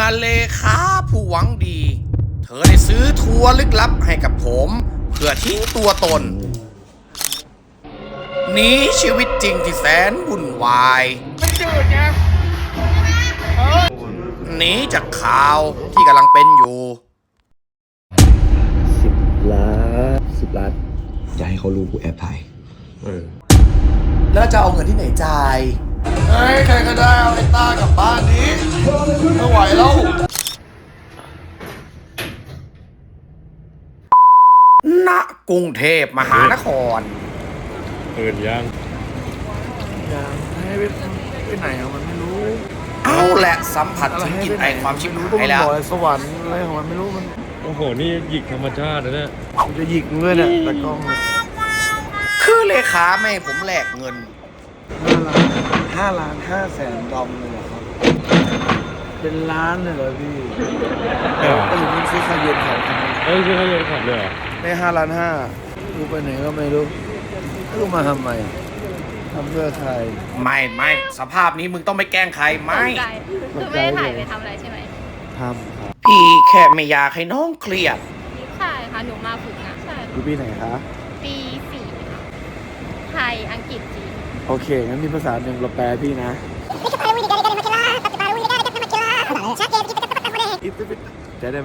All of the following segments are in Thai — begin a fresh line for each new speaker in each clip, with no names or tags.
เลขาผู้หวังดี เธอได้ซื้อทัวร์ลึกลับให้กับผมเพื่อทิ้งตัวตนหนีชีวิตจริงที่แสนวุ่นวายหนีจากข่าวที่กำลังเป็นอยู่
10 ล้านอย่าให้เขารู้กูแอบถ่าย
แล้วจะเอาเงินที่ไหนจ่ายเฮ้ยใครก็ได้เอาไอ้ต้ากลับบ้านนี้ไม่ไหวแล้ว
ณกรุงเทพมหานคร
ยัง
ให้ไปไหนอะมันไม่รู้
เอาแหละสัมผัสถึงกลิ่นไอความชิบหายแล้ว
บอกสวรรค์อะไรของมันไม่รู้มัน
โอ้โหนี่หยิกธรรมชาตินะเนี่ย
มันจะหยิกด้วยเนี่ยแต่กล้องเนี่ย
คือเลขาไม่ให้ผมแลกเงิน
$5,500,000เลยเหรอครับเป็นล้านเลยเหรอพี่ก็ถึงมันซื้อคาเย็นเขาทำไม
เอ้ยใช่เขาโยนขับเลยเหรอ
ได้5,500,000กูไปไหนก็ไม่รู้กูมาทำไมทำเพื่อใคร
ไม่สภาพนี้มึงต้องไม่แกล้งใครไม่
คือไม่ได้ถ่ายไปทำอะไรใช่ไหม
ทำครับ
พี่แค่ไม่อยากให้น้องเครียด
ใช่ค่ะ หนูมาฝึกงานใช่
อยู่ปีไหนคะ
ปี4ค่ะไทย อังกฤษ จีน
โอเคงั้นมีภาษาหนึ่งเราแปลพี่นะจะได้ไหม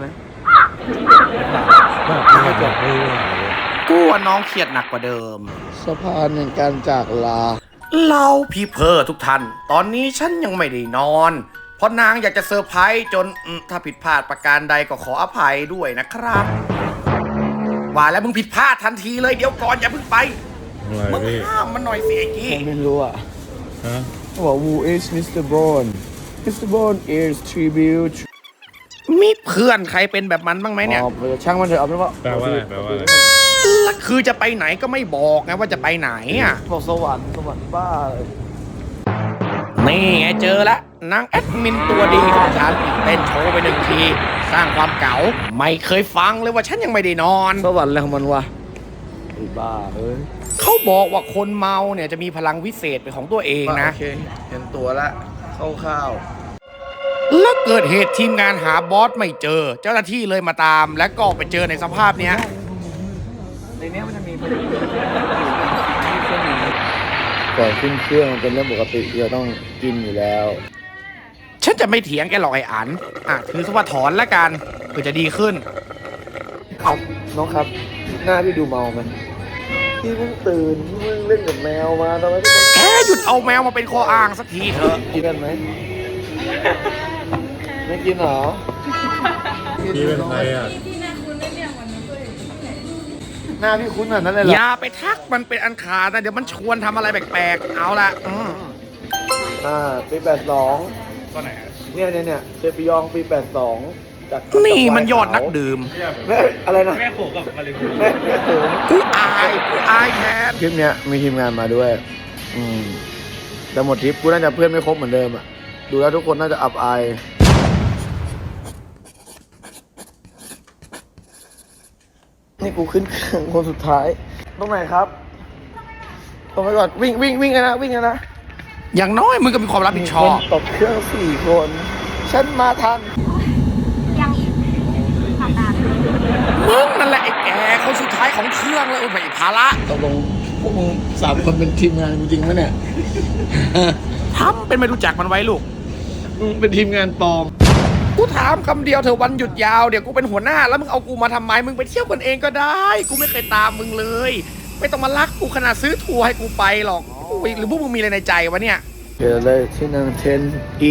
ไม่จบไม่รู้
กูว่าน้องเครียดหนักกว่าเดิม
สะพานแห่งการจากลา
เราพี่เพอทุกท่าน ตอนนี้ฉันยังไม่ได้นอน เพราะนางอยากจะเซอร์ไพรส์จนถ้าผิดพลาดประการใดก็ขออภัยด้วยนะครับ ว่าแล้วมึงผิดพลาดทันทีเลยเดี๋ยวก่อนอย่าเพิ่งไป
อะไร
มึง
พี่
ห้ามมันหน่อยสิไอ้กี้
ผมไม่รู้อ่ะ
ฮะ
เขาบอก Who is Mr. Bone Mr. Bone is tribute
มีเพื่อนใครเป็นแบบมันบ้างไหมเนี่ย
ช่างมันเถอะเอาเป็นว่า
แปลว่าอะไรแปลว่าอะไร
แล้วคือจะไปไหนก็ไม่บอกไงว่าจะไปไหนอ่ะ
บอกสวรรค์บ้าเลย
นี่ไงเจอแล้วนางแอดมินตัวดีของฉันเต้นโชว์ไปหนึ่งที สร้างความเก๋าไม่เคยฟังเลยว่าฉันยังไม่ได้นอน
สวรรค์อะไรของมันวะไอ้บ้าเอ้ย
เขาบอกว่าคนเมาเนี่ยจะมีพลังวิเศษเป็นของตัวเองนะ
โอเคเห็นตัวละข้าว
แล้วเกิดเหตุทีมงานหาบอสไม่เจอ เจ้าหน้าที่เลยมาตาม และก็ไปเจอในสภาพเนี้ย
ในนี้มันจะมีก่อนขึ้นเครื่องมันเป็นเรื่องปกติที่เราต้องกินอยู่แล้ว
ฉันจะไม่เถียงแกหรอกไอ้อันถือซะว่าถอนละกันเพื่อจะดีขึ้น
ครับน้องครับหน้าพี่ดูเมาไหมพี่เพิ่งตื่นพี่เพิ่งเล่นกับแมวมาทำไมพี่ต้อง
แกหยุดเอาแมวมาเป็นข้ออ้างสักทีเถอะ
กินกันไหมไม่กินเหรอ
พี่เป็นใครอ่ะ
หน้าพี่คุ้นแบบนั้นเลยเหรอ
อย่าไปทักมันเป็นอันขาดนะเดี๋ยวมันชวนทำอะไรแปลกๆเอาละ
ปี82
ก็ไหน
เนี่ยเซปิยองปี82จาก
นี่มันยอดนักดื่ม
แม่อะไรนะ
แม่โขกับมาเลย
แม่โขง
กูอายแทน
ทริปเนี้ยมีทีมงานมาด้วย แต่หมดทริปกูน่าจะเพื่อนไม่ครบเหมือนเดิมอ่ะดูแล้วทุกคนน่าจะอับอายนี่กูขึ้นเครื่องคนสุดท้ายตรงไหนครับตรงไปก่อนวิ่งกันนะวิ่งกันนะ
อย่างน้อยมึงก็มีความรับผิดชอบ
มีคนตกเครื่อง4 คน ฉันมาทัน
ยังอีกทำงาน
มึงนั่นแหละไอ้แกคนสุดท้ายของเครื่องเลยไม่ภาระ
ตกลงพวกมึง3 คนเป็นทีมงานจริงไหมเนี่ย
ทำเป็นไม่รู้จักมันไว้ลูก
มึงเป็นทีมงานปลอม
กูถามคำเดียวเธอะวันหยุดยาวเดี๋ยวกูเป็นหัวหน้าแล้วมึงเอากูมาทำไมมึงไปเที่ยวกันเองก็ได้ กูไม่เคยตามมึงเลย ไม่ต้องมารักกูขนาดซื้อทัวร์ให้กูไปหรอกอุ๊ยหรือพวกมึงมีอะไรในใจวะเนี่ย
เดี๋ยวเลยที่นั่ง10E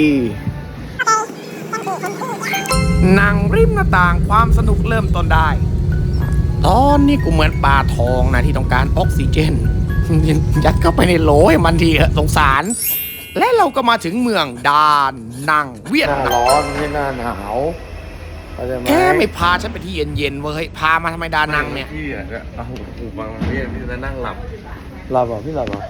นั่งริมหน้าต่างความสนุกเริ่มต้นได้ ตอนนี้กูเหมือนปลาทองนะที่ต้องการออกซิเจน ยัดเข้าไปในโหลให้มันทีเถอะสงสาร และเราก็มาถึงเมืองดานนังเวีย
ห
ด
น้า
นา
ร้
ม
อนไม่ใช่หน้าหนาวเข้าใจไหม
แกไม่พาฉันไปที่เย็นๆเว้ยพามาทำไมดานังเนี่ย
พี่อ่ะเอาหูฟังพี่จะนั่งหลับ
หลับเหรอพี่หลับเหรอ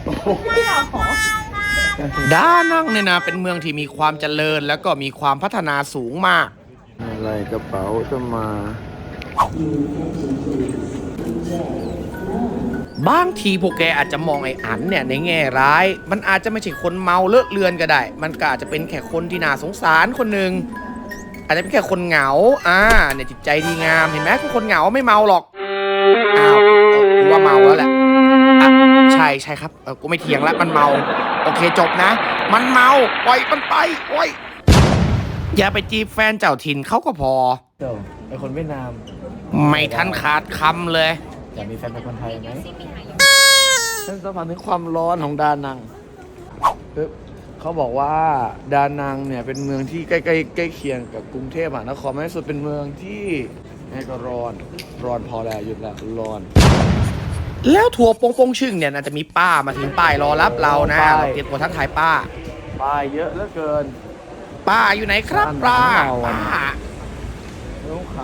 ดานังเนี่ยนะเป็นเมืองที่มีความเจริญแล้วก็มีความพัฒนาสูงมาก
อะไรกระเป๋าจะมา
บางทีพวกแกอาจจะมองไอ้อันเนี่ยในแง่ร้าย มันอาจจะไม่ใช่คนเมาเลอะเลือนก็ได้ มันก็อาจจะเป็นแค่คนที่น่าสงสารคนหนึ่งอาจจะเป็นแค่คนเหงาเนี่ยจิตใจดีงามเห็นไหมกูคนเหงาไม่เมาหรอกอ้าวกูว่าเมาแล้วแหละอ่ะใช่ครับกูไม่เถียงแล้วมันเมาโอเคจบนะมันเมาปล่อยมันไปโอ้ยอย่าไปจีบแฟนเจ้าถิ่นเขาก็พอ
เดี๋ยวไอคนเวียดนาม
ไม่ทันขาดคำเลย
อยากมีแฟนเป็นคนไทยไหมฉันสัมผัสถึงความร้อนของดานังเขาบอกว่าดานังเนี่ยเป็นเมืองที่ใกล้เคียงกับกรุงเทพมหานครมากที่สุดเป็นเมืองที่นี่ก็ร้อนพอแล้วหยุดแล้วร้อน
แล้วทัวร์โปงชึ่งเนี่ยน่าจะมีป้ามาถึงป้ายรอรับเรานะเราเตรียมตัวทักทายป้า
ป้ายเยอะเหลือเกิน
ป้าอยู่ไหนครับป้าป้า
ต้องค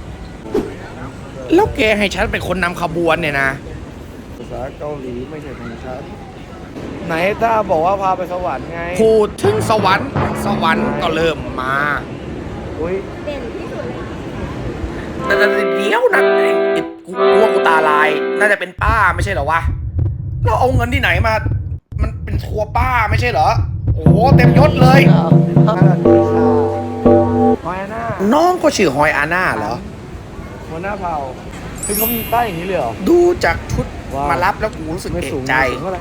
แล้วแกให้ฉันเป็นคนนำขบวนเนี่ยนะ
ำภาษาเกาหลีไม่ใช่ของฉันไหนถ้าบอกว่าพาไปสวรรค์ไง
พูดถึงสวรรค์ก็เริ่มมา
อุ้ย
เด่นที่สุดเลย
แต่เดี๋ยวนะกูกลัวกูตาลาย น่าจะเป็นป้าไม่ใช่เหรอวะเราเอาเงินที่ไหนมา มันเป็นทัวร์ป้าไม่ใช่เหรอ โอ้โหเต็มยศเลย
ฮอยอาน่า
น้องก็ชื่อฮอยอาน่าเหรอ
หัวหน้าเผ่าคือเขามีป้ายอย่างนี้เลยเหรอ
ดูจากชุด
ว้าว
มารับแล้วกูรู้สึก
ไม่
เอ
สู
ก
ง
ใจ
ไม่สูงเท่าไหร่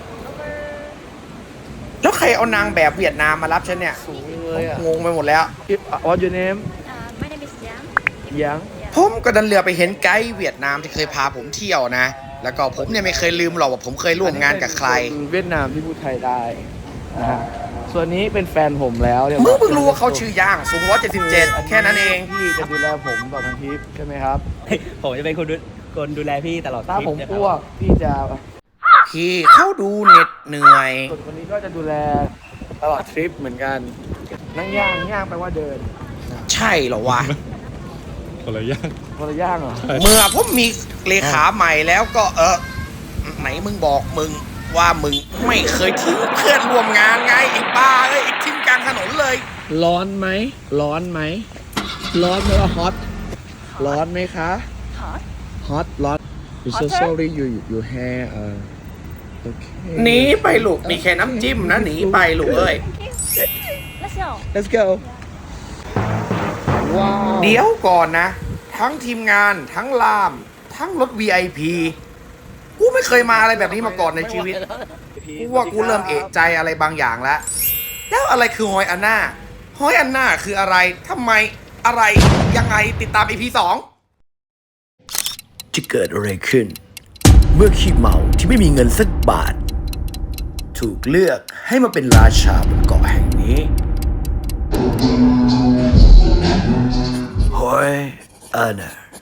แล้วใครเอานางแบบเวียดนามมารับฉันเนี่ย
สูงเลยอ่ะ
งงไปหมดแล้ว
What's your name
ไม่ได้เป็นเสียง
ยัง
ผมก็ดันเรือไปเห็นไกด์เวียดนามที่เคยพาผมเที่ยวนะ แล้วก็ผมเนี่ยไม่เคยลืมหรอกว่าผมเคยร่วมงานกับใคร
เป็นเวียดนามที่พูดไทยได้นะฮะส่วนนี้เป็นแฟนผมแล้วเนี่ย
มึงเพิ่งรู้ว่าเขาชื่อย่างสูง177แค่นั้นเอง
พี่จะดูแลผมตลอดทั้งทริปใช่ไหมครับ
ผมจะเป็นคนดูแลพี่ตลอด
ถ้า
ทริป
ผม
นะค
อ้
รับ
วกพี่จะ
พี่เขาดูเหน็ดเหนื่อย
ส่วนคนนี้ก็จะดูแลตลอดทริปเหมือนกัน นั่งย่างแปลว่าเดิน
ใช่เหรอวะ
คนละอย่าง
คนละย่างเหรอ
เมื่อผมมีเลขาใหม่แล้วก็ไหนมึงบอกมึงว่ามึงไม่เคยทิ้งเพื่อนร่วมงานไงไอ้บ้าเอ้ยไอ้ทิ้งกลางถนนเลย
ร้อนไหมร้อนไหมร้อนไหมว่าฮอตร้อนไหมคะฮอตร้อน I'm so sorry you hair โอเค
หนีไปลูกมีแค่น้ำจิ้มนะหนีไปลูกเอ้ย
Let's go
Let's go ว้าว
เดี๋ยวก่อนนะ ทั้งทีมงานทั้งลาม ทั้งรถ VIP กูไม่เคยมาอะไรแบบนี้มาก่อนในชีวิต กูว่ากูเริ่มเอะใจอะไรบางอย่างแล้ว แล้วอะไรคือฮอยอันนาฮอยอันนาคืออะไรทำไมอะไรยังไงติดตาม EP 2 จะเกิดอะไรขึ้น เมื่อขี้เมาที่ไม่มีเงินสักบาท ถูกเลือกให้มาเป็นราชาบนเกาะแห่งนี้ฮอยอันนา